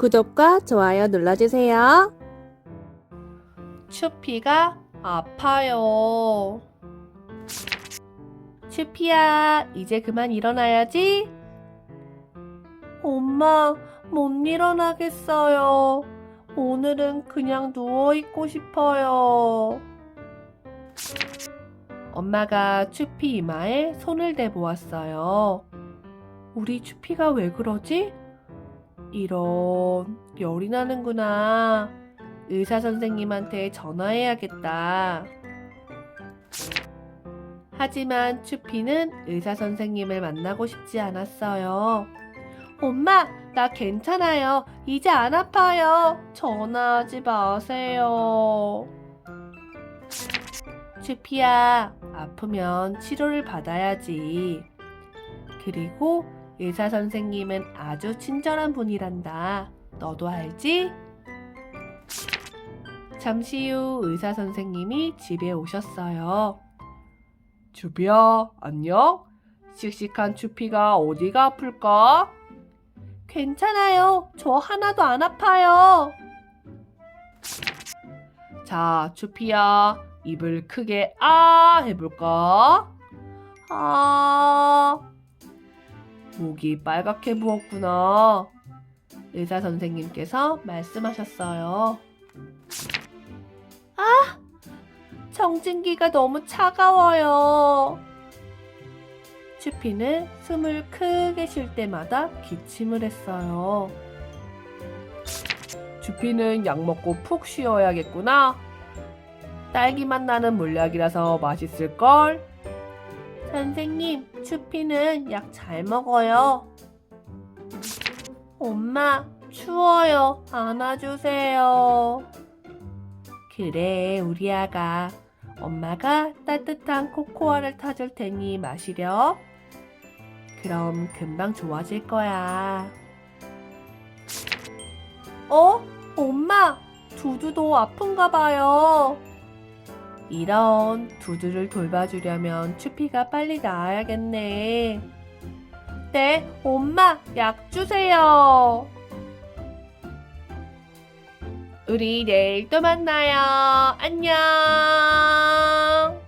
구독과 좋아요 눌러주세요. 추피가 아파요. 추피야, 이제 그만 일어나야지. 엄마, 못 일어나겠어요. 오늘은 그냥 누워있고 싶어요. 엄마가 추피 이마에 손을 대보았어요. 우리 추피가 왜 그러지? 이런, 열이 나는구나. 의사 선생님한테 전화해야겠다. 하지만 추피는 의사 선생님을 만나고 싶지 않았어요. 엄마, 나 괜찮아요. 이제 안 아파요. 전화하지 마세요. 추피야, 아프면 치료를 받아야지. 그리고 의사 선생님은 아주 친절한 분이란다. 너도 알지? 잠시 후 의사 선생님이 집에 오셨어요. 추피야, 안녕? 씩씩한 추피가 어디가 아플까? 괜찮아요. 저 하나도 안 아파요. 자, 추피야, 입을 크게 아 해볼까? 아, 목이 빨갛게 부었구나. 의사 선생님께서 말씀하셨어요. 청진기가 너무 차가워요. 추피는 숨을 크게 쉴 때마다 기침을 했어요. 추피는 약 먹고 푹 쉬어야겠구나. 딸기맛 나는 물약이라서 맛있을걸? 선생님, 추피는 약 잘 먹어요. 엄마, 추워요. 안아주세요. 그래, 우리 아가. 엄마가 따뜻한 코코아를 타줄 테니 마시렴. 그럼 금방 좋아질 거야. 엄마, 두두도 아픈가 봐요. 이런, 두두를 돌봐주려면 추피가 빨리 나아야겠네. 네, 엄마, 약 주세요. 우리 내일 또 만나요. 안녕.